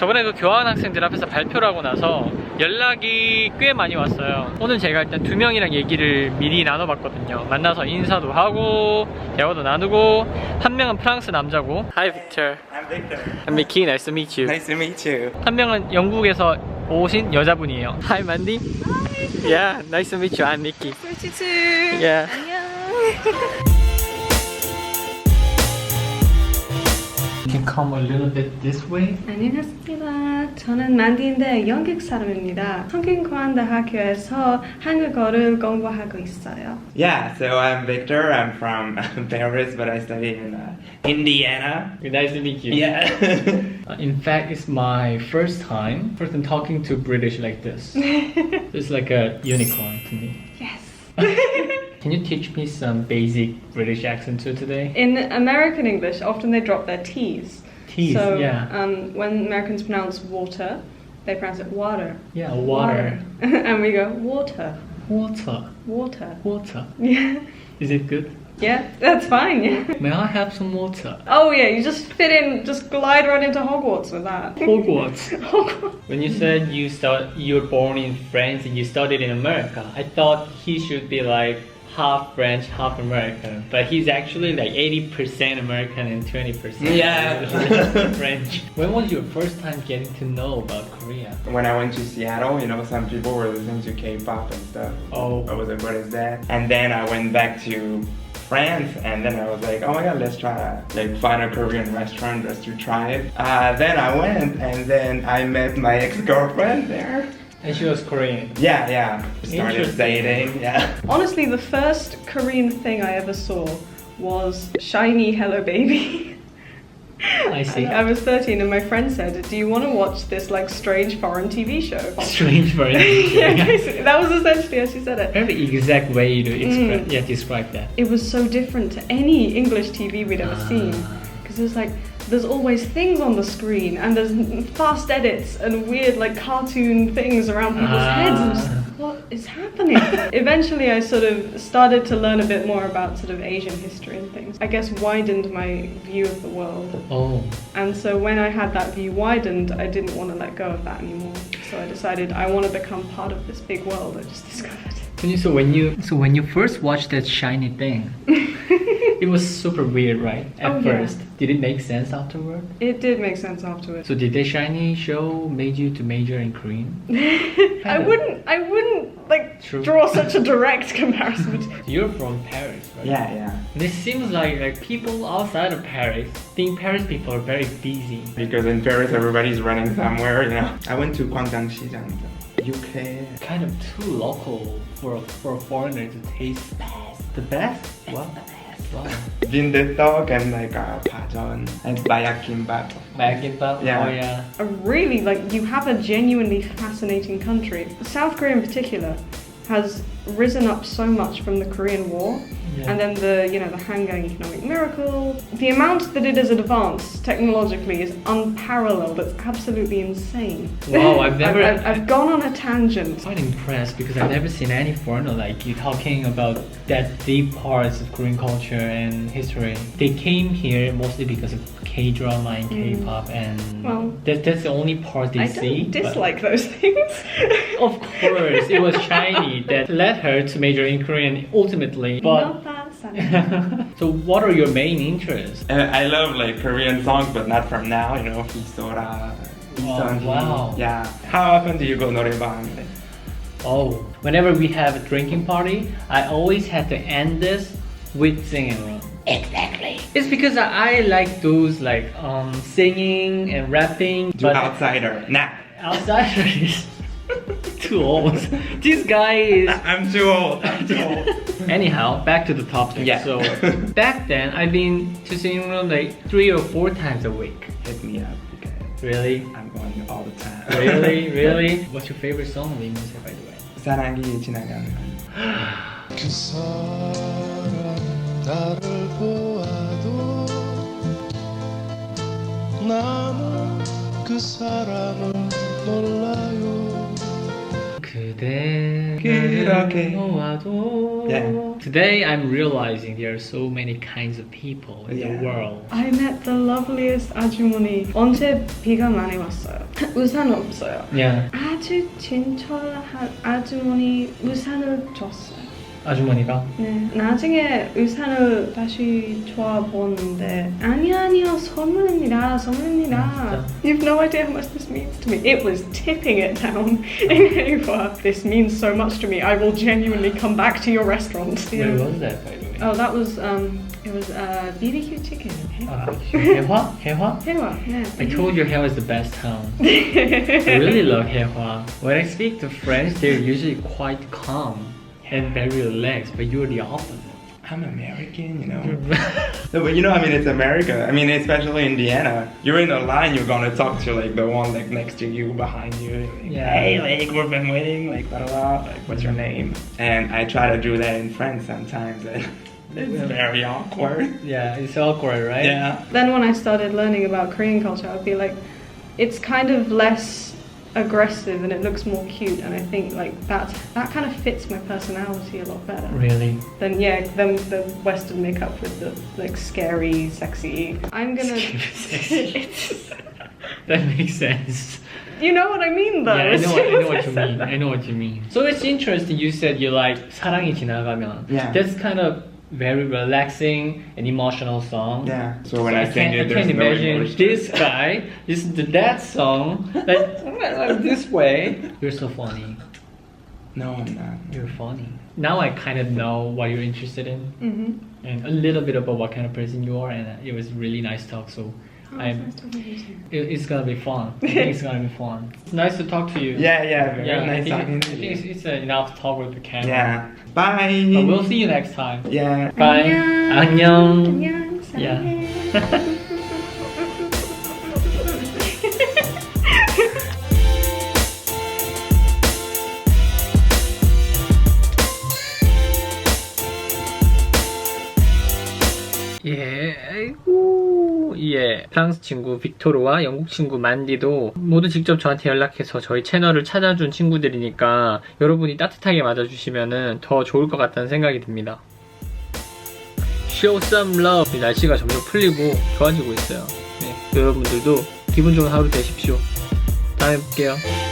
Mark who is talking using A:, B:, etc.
A: 저번에도 교환학생들 앞에서 발표를 하고 나서 연락이 꽤 많이 왔어요. 오늘 제가 일단 2명이랑 얘기를 미리 나눠봤거든요. 만나서 인사도 하고 대화도 나누고, 한 명은 프랑스 남자고. Hi Victor.
B: I'm Victor.
A: I'm Mickey. Nice to meet you.
B: Nice to meet you.
A: 한 명은 영국에서 오신 여자분이에요. Hi Mandy. Hi. Yeah, nice to meet you. I'm Mickey.
C: Pretty too.
A: Yeah.
C: 안녕.
A: Can come a little bit this way.
C: 안녕하십니까. 저는 만디인데 영국 사람입니다. 성균관대학교에서 한국어를 공부하고 있어요.
B: Yeah, so I'm Victor. I'm from Paris, but I study in Indiana.
A: Nice to meet you.
B: Yeah.
A: In fact, it's my first time talking to British like this. It's like a unicorn to me.
C: Yes.
A: Can you teach me some basic British accent too today?
C: In American English, often they drop their T's.
A: T's,
C: so,
A: yeah.
C: When Americans pronounce water, they pronounce it water.
A: Yeah, water.
C: And we go water.
A: Water.
C: Water.
A: Water.
C: Yeah.
A: Is it good?
C: Yeah, that's fine. Yeah.
A: May I have some water?
C: Oh yeah, you just fit in, just glide right into Hogwarts with that.
A: Hogwarts.
C: Hogwarts.
A: When you said you were born in France and you studied in America, I thought he should be like half French, half American, but he's actually like 80% American and 20%
B: Yeah.
A: French. When was your first time getting to know about Korea?
B: When I went to Seattle, you know, some people were listening to K-pop and stuff.
A: Oh.
B: I was like, what is that? And then I went back to France, and then I was like, oh my god, let's try to like find a Korean restaurant just to try it. Then I went, and then I met my ex-girlfriend there.
A: And she was Korean.
B: Yeah. Started
A: Interesting.
B: dating, yeah.
C: Honestly, the first Korean thing I ever saw was Shiny Hello Baby.
A: I see.
C: I was 13 and my friend said, do you want to watch this like strange foreign TV show?
A: Strange for
C: Yeah, basically, that was essentially how she said it.
A: Very exact way to describe that.
C: It was so different to any English TV we'd ever seen. Because there's like, there's always things on the screen and there's fast edits and weird like cartoon things around people's heads. And just, what is happening? Eventually I sort of started to learn a bit more about sort of Asian history and things. I guess widened my view of the world.
A: Oh.
C: And so when I had that view widened, I didn't want to let go of that anymore. So I decided I want to become part of this big world I just discovered.
A: So when you first watched that shiny thing, it was super weird, right? At first.
C: Yeah.
A: Did it make sense afterward?
C: It did make sense afterwards.
A: So did the shiny show made you to major in Korean?
C: I wouldn't like
A: True.
C: draw such a direct comparison.
A: You're from Paris, right?
B: Yeah.
A: This seems like people outside of Paris think Paris people are very busy.
B: Because in Paris, everybody's running somewhere, you know. I went to Gwangjang-시장, UK.
A: Kind of too local for a foreigner to taste the best. Wow. Wow.
B: 빈대떡 and like 파전 and bayak-kimbap.
A: Bagimbap.
B: Yeah.
A: Oh yeah.
C: Really, like you have a genuinely fascinating country. South Korea in particular has risen up so much from the Korean War.
A: Yeah.
C: And then the Hangang economic miracle. The amount that it has advanced technologically is unparalleled. It's absolutely insane.
A: Wow, I've
C: gone on a tangent.
A: quite impressed because I've never seen any foreigner like you talking about that deep parts of Korean culture and history. They came here mostly because of K-drama and K-pop, and
C: Well,
A: that's the only part they
C: I
A: see.
C: don't dislike those things.
A: Of course, it was shiny that led her to major in Korean ultimately. But
C: Not that sad.
A: so, what are your main interests?
B: I love like Korean songs, but not from now, you know, Hisora, Iseonji.
A: wow.
B: Yeah. How often do you go 노래방?
A: Oh, whenever we have a drinking party, I always have to end this with singing room. Exactly. It's because I like those like singing and rapping.
B: Do outsider. Nah.
A: Outsiders. Too old. This guy is.
B: I'm too old.
A: Anyhow, back to the topic.
B: Yeah.
A: So back then, I've been to singing room like 3 or 4 times a week.
B: Hit me up because
A: Really?
B: I'm going all the time.
A: Really? What's your favorite song of Lee by the way?
B: 사랑이 지나가는.
D: 그 사람 나를 보아도 나는 그 사람을 몰라요.
A: 그대
B: 그렇게.
A: 놓아도.
B: Yeah.
A: Today I'm realizing there are so many kinds of people in
B: Yeah.
A: the world.
C: I met the loveliest 아주머니. 언제 비가 많이 왔어요. 우산 없어요.
A: Yeah.
C: 아주 친절한 아주머니 우산을 줬어요.
A: 아주머니가.
C: 네. 나중에 우산을 다시 줘보는데 아니요 선물입니다. 선물입니다. You've no idea how much this means to me. It was tipping it down in Haewa. This means so much to me. I will genuinely come back to your restaurant.
A: Where was that, by the way?
C: Oh, that was it was BBQ chicken in Haewa.
A: 해화? 해화?
C: Haewa, yeah.
A: I told you Haewa is the best town. I really love Haewa. When I speak to French, they're usually quite calm and very relaxed, but you're the opposite.
B: I'm American, you know. No, but you know, I mean, it's America. I mean, especially Indiana. You're in a line, you're gonna talk to like the one like next to you, behind you. Like,
A: Yeah.
B: Hey, like we've been waiting, like blah blah blah. Like, what's your name? And I try to do that in French sometimes, and it's very awkward.
A: Yeah, it's awkward, right?
B: Yeah.
C: Then when I started learning about Korean culture, I'd be like, it's kind of less aggressive and it looks more cute, and I think like that kind of fits my personality a lot better.
A: Really?
C: Then the Western makeup with the like scary, sexy. I'm gonna.
A: That makes sense.
C: You know what I mean, though.
A: Yeah, I
C: as
A: know,
C: soon
A: I know
C: as
A: what you
C: said
A: mean.
C: that.
A: I know what you mean. So it's interesting. You said you like 사랑이 지나가면.
B: Yeah.
A: That's kind of very relaxing and emotional song.
B: Yeah. So when I sing it,
A: I
B: there's
A: can't
B: no
A: imagine
B: emotion.
A: this guy listen to that song like this way. You're so funny.
B: No, I'm not.
A: You're funny. Now I kind of know what you're interested in
C: Mhm.
A: and a little bit about what kind of person you are, and it was really nice talk. So
C: Oh,
A: I'm.
C: it's nice talking to you too.
A: It's gonna be fun. I think it's gonna be fun. It's nice to talk to you.
B: Yeah, yeah. Very
A: Yeah,
B: nice
A: I
B: talking
A: think,
B: to
A: I
B: you.
A: think it's enough talk with the camera.
B: Yeah. Bye.
A: But we'll see you next time.
B: Yeah.
A: Bye. 안녕.
C: 안녕.
A: Yeah.
C: 사랑해.
A: 예, 아이고, 예. 프랑스 친구 빅토르와 영국 친구 만디도 모두 직접 저한테 연락해서 저희 채널을 찾아준 친구들이니까 여러분이 따뜻하게 맞아주시면 더 좋을 것 같다는 생각이 듭니다. Show some love. 날씨가 점점 풀리고 좋아지고 있어요. 네, 여러분들도 기분 좋은 하루 되십시오. 다음에 볼게요.